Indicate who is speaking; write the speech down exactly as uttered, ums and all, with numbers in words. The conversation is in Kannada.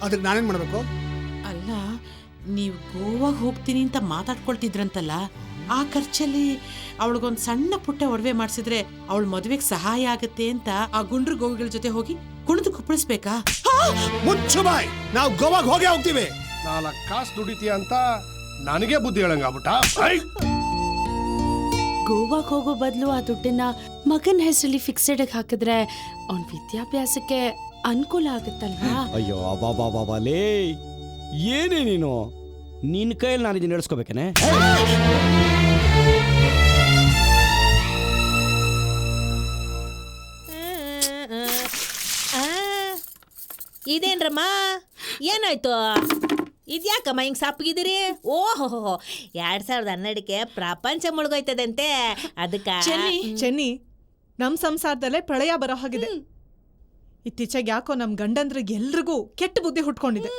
Speaker 1: ಅದಕ್ಕೆ ನಾನೇನ್ ಮಾಡ್ಬೇಕು?
Speaker 2: ಅಲ್ಲ, ನೀವು ಗೋವಾಗೆ ಹೋಗ್ತೀನಿ ಅಂತ ಮಾತಾಡ್ಕೊಳ್ತಿದ್ರಂತಲ್ಲ, ಆ ಖರ್ಚಲ್ಲಿ ಅವಳಿಗೊಂದು ಸಣ್ಣ ಪುಟ್ಟ ಒಡವೆ ಮಾಡಿಸಿದ್ರೆ ಅವಳ ಮದುವೆಗೆ ಸಹಾಯ ಆಗುತ್ತೆ ಅಂತ ಆ ಗುಂಡ್ರು ಗೋವಿಗಳ ಜೊತೆ ಹೋಗಿ ಕುಣಿದು ಕುಪ್ಪಳಿಸ್ಬೇಕಾ?
Speaker 1: ಮುಚ್ಚು ಬಾಯ್, ನಾವು ಗೋವಾಗೆ ಹೋಗೇ ಹೋಗ್ತೀವಿ.
Speaker 3: ನಾಲ್ಕು ಕಾಸು ದುಡಿತೀಯ ಅಂತ ನನಗೆ ಬುದ್ಧಿ ಹೇಳಂಗಾಗ್ಬಿಟ್ಟ.
Speaker 4: ಗೋವಾಗೆ ಹೋಗೋ ಬದಲು ಆ ದುಡ್ಡನ್ನ ಮಗನ ಹೆಸರಲ್ಲಿ ಫಿಕ್ಸೆಡ್ ಹಾಕಿದ್ರೆ ಅವನ ವಿದ್ಯಾಭ್ಯಾಸಕ್ಕೆ ಅನುಕೂಲ ಆಗುತ್ತಲ್ವಾ?
Speaker 5: ಅಯ್ಯೋ ಅಬಾ ಬಾಬಾ ಲೇ, ಏನೇ ನೀನು? ನಿನ್ನ ಕೈಯಲ್ಲಿ ನಾನು ಇದನ್ನ ನಡೆಸ್ಕೋಬೇಕೇನೆ?
Speaker 6: ಇದೇನ್ರಮ್ಮ, ಏನಾಯ್ತು? ಇದ್ಯಾಕಮ್ಮ ಹಿಂಗೆ ಸಪ್ಪಗಿದ್ದೀರಿ? ಓಹೋ, ಎರಡ್ ಸಾವಿರದ ಹನ್ನೆರಡಕ್ಕೆ ಪ್ರಪಂಚ ಮುಳುಗೋಯ್ತದಂತೆ, ಅದಕ್ಕೆ.
Speaker 7: ಚೆನ್ನಿ, ನಮ್ ಸಂಸಾರದಲ್ಲೇ ಪ್ರಳಯ ಬರೋ ಹಾಗಿದೆ. ಇತ್ತೀಚೆಗೆ ಯಾಕೋ ನಮ್ ಗಂಡಂದ್ರಿಗೆ ಎಲ್ರಿಗೂ ಕೆಟ್ಟ ಬುದ್ಧಿ ಹುಟ್ಕೊಂಡಿದೆ.